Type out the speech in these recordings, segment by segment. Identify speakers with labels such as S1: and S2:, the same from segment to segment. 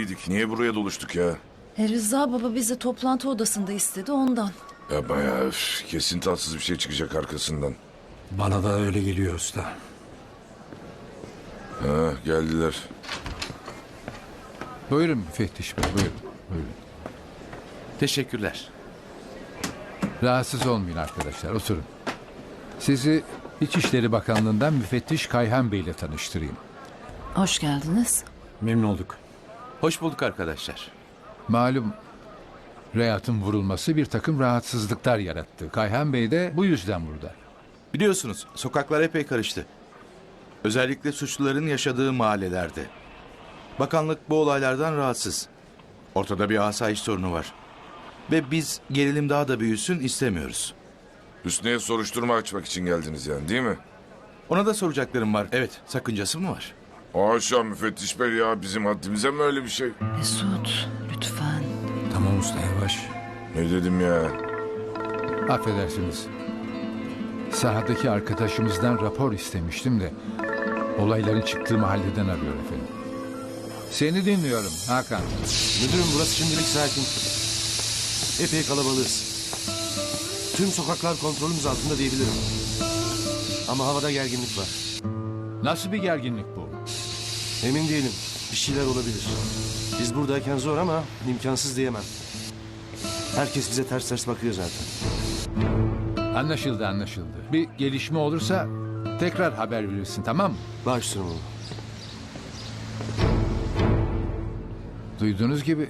S1: belliydik. Niye buraya doluştuk ya?
S2: Rıza baba bizi toplantı odasında istedi ondan.
S1: Ya bayağı kesin tatsız bir şey çıkacak arkasından.
S3: Bana da öyle geliyor usta.
S1: Ha, geldiler.
S4: Buyurun müfettiş bey, buyurun. Buyurun.
S5: Teşekkürler.
S4: Rahatsız olmayın arkadaşlar, oturun. Sizi İçişleri Bakanlığı'ndan müfettiş Kayhan Bey ile tanıştırayım.
S2: Hoş geldiniz.
S3: Memnun olduk.
S5: Hoş bulduk arkadaşlar.
S4: Malum Rehat'ın vurulması bir takım rahatsızlıklar yarattı. Kayhan Bey de bu yüzden burada.
S5: Biliyorsunuz sokaklar epey karıştı. Özellikle suçluların yaşadığı mahallelerde. Bakanlık bu olaylardan rahatsız. Ortada bir asayiş sorunu var. Ve biz gerilim daha da büyüsün istemiyoruz.
S1: Hüsnü'ye soruşturma açmak için geldiniz yani, değil mi?
S5: Ona da soracaklarım var. Evet, sakıncası mı var?
S1: Haşa müfettiş bey ya, bizim haddimize mi öyle bir şey?
S2: Mesut lütfen.
S3: Tamam usta, yavaş.
S1: Ne dedim ya?
S4: Affedersiniz. Sahadaki arkadaşımızdan rapor istemiştim de olayların çıktığı mahalleden arıyor efendim. Seni dinliyorum Hakan.
S6: Müdürüm burası şimdilik sakin. Epey kalabalığız. Tüm sokaklar kontrolümüz altında diyebilirim. Ama havada gerginlik var.
S4: Nasıl bir gerginlik bu?
S6: Emin değilim. Bir şeyler olabilir. Biz buradayken zor ama imkansız diyemem. Herkes bize ters ters bakıyor zaten.
S4: Anlaşıldı anlaşıldı. Bir gelişme olursa tekrar haber verirsin, tamam mı?
S6: Baş üstüne oğlum.
S4: Duyduğunuz gibi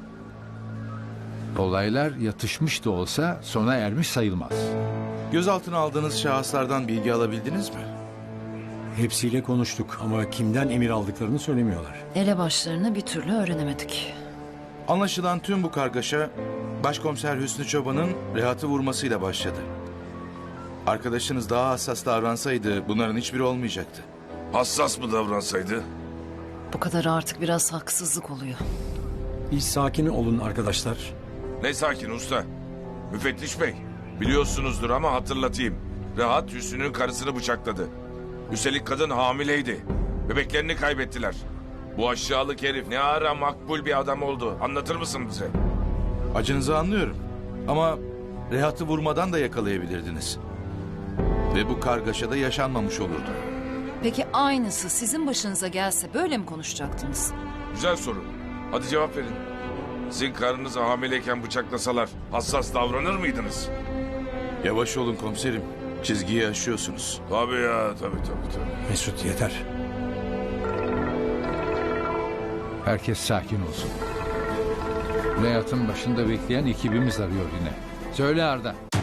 S4: olaylar yatışmış da olsa sona ermiş sayılmaz.
S5: Gözaltına aldığınız şahıslardan bilgi alabildiniz mi?
S3: Hepsiyle konuştuk ama kimden emir aldıklarını söylemiyorlar.
S2: Elebaşlarını bir türlü öğrenemedik.
S5: Anlaşılan tüm bu kargaşa Başkomiser Hüsnü Çoban'ın Rehat'ı vurmasıyla başladı. Arkadaşınız daha hassas davransaydı bunların hiçbiri olmayacaktı.
S1: Hassas mı davransaydı?
S2: Bu kadar artık biraz haksızlık oluyor.
S3: Bir sakin olun arkadaşlar.
S1: Ne sakin usta? Müfettiş bey, biliyorsunuzdur ama hatırlatayım. Rehat Hüsnü'nün karısını bıçakladı. Üstelik kadın hamileydi. Bebeklerini kaybettiler. Bu aşağılık herif ne ara makbul bir adam oldu. Anlatır mısın bize?
S5: Acınızı anlıyorum. Ama Rehat'ı vurmadan da yakalayabilirdiniz. Ve bu kargaşada yaşanmamış olurdu.
S2: Peki aynısı sizin başınıza gelse böyle mi konuşacaktınız?
S1: Güzel soru. Hadi cevap verin. Sizin karınızı hamileyken bıçaklasalar hassas davranır mıydınız?
S5: Yavaş olun komiserim. Çizgiyi aşıyorsunuz.
S1: Tabii ya, tabii.
S3: Mesut yeter.
S4: Herkes sakin olsun. Rehat'ın başında bekleyen ekibimiz arıyor yine. Söyle Arda.